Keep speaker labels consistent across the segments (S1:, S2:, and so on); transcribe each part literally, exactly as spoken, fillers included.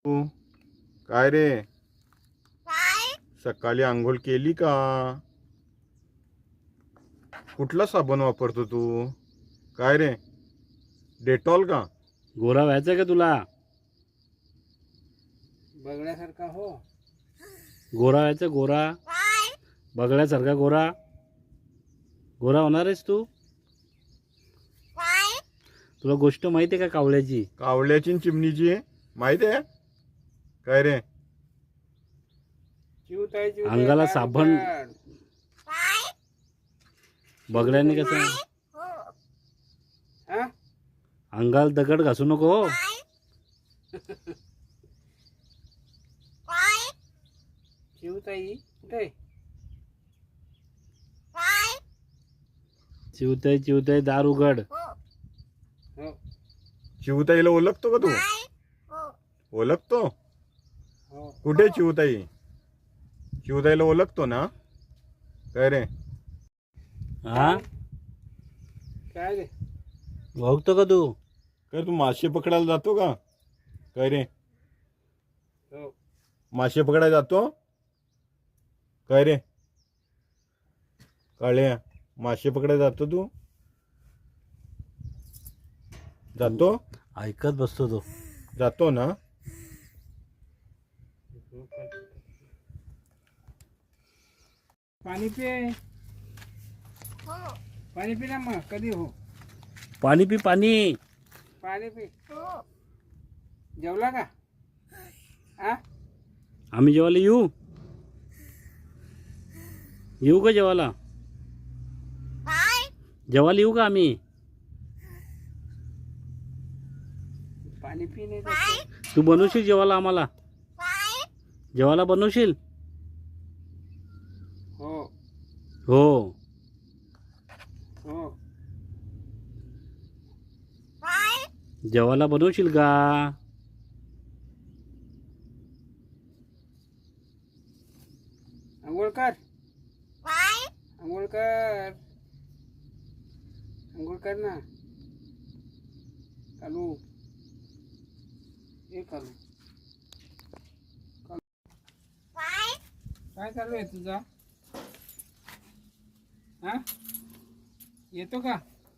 S1: तू काय रे, सकाळी आंघोळ केली का? कुठला साबण वापरतो तू? काय रे, डेटॉल का?
S2: गोरा व्हायचं का तुला?
S3: बघण्यासारखा हो.
S2: गोरा व्हायचं, गोरा बघण्यासारखा गोरा गोरा होणार आहेस तू. तुला गोष्ट माहिती आहे का कावळ्याची?
S1: कावळ्याची न चिमणीची माहिती आहे काय रे?
S3: चिवताय चिवताय
S2: अंगाला
S3: दारू
S2: साबण
S3: काढ.
S2: बघल्याने कसं
S3: हा?
S2: अंगाला दगड घासू नको हो.
S3: चिवताई कुठे?
S2: चिवताय चिवताय दार उघड.
S3: हो
S1: चिवताईला ओळखतो का तू? ओळखतो?
S3: हो.
S1: कुठे चिवताई? चिवताईला ओळखतो ना? काय रे?
S2: हा,
S3: काय रे?
S2: ओळखतो का तू?
S1: काय तू मासे पकडायला जातो का? काय रे,
S3: हो
S1: मासे पकडायला जातो? काय रे काळ्या, मासे पकडायला जातो तू? जातो?
S2: ऐकत बसतो तो.
S1: जातो ना?
S3: पाणी पे. पाणी पी ना मग. कधी हो?
S2: पाणी पी, पाणी.
S3: पाणी पी. जेवला का? आ
S2: आम्ही जेवायला येऊ येऊ का जेवायला? जेवायला येऊ का आम्ही?
S3: पाणी पी नाही तर.
S2: तू बनवशील जेवायला आम्हाला? जेवायला बनवशील?
S3: हो
S2: हो.
S3: हो
S2: जेवायला बनवशील का?
S3: आंघोळ कर. आंघोळ कर. आंघोळ कर ना. कालू हे कालू काय चालू आहे तुझा? हा, येतो का?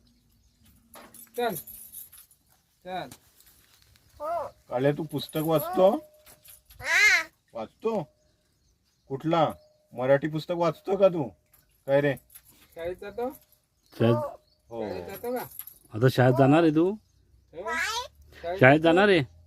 S3: चल चल.
S1: काळ्या, तू पुस्तक वाचतो? वाचतो? कुठला? मराठी पुस्तक वाचतो का तू? काय रे?
S3: शाळेत जातो?
S2: शाळेत
S1: हो.
S3: शाळेत जातो का?
S2: आता शाळेत जाणार आहे तू?
S3: हो?
S2: शाळेत जाणार आहे?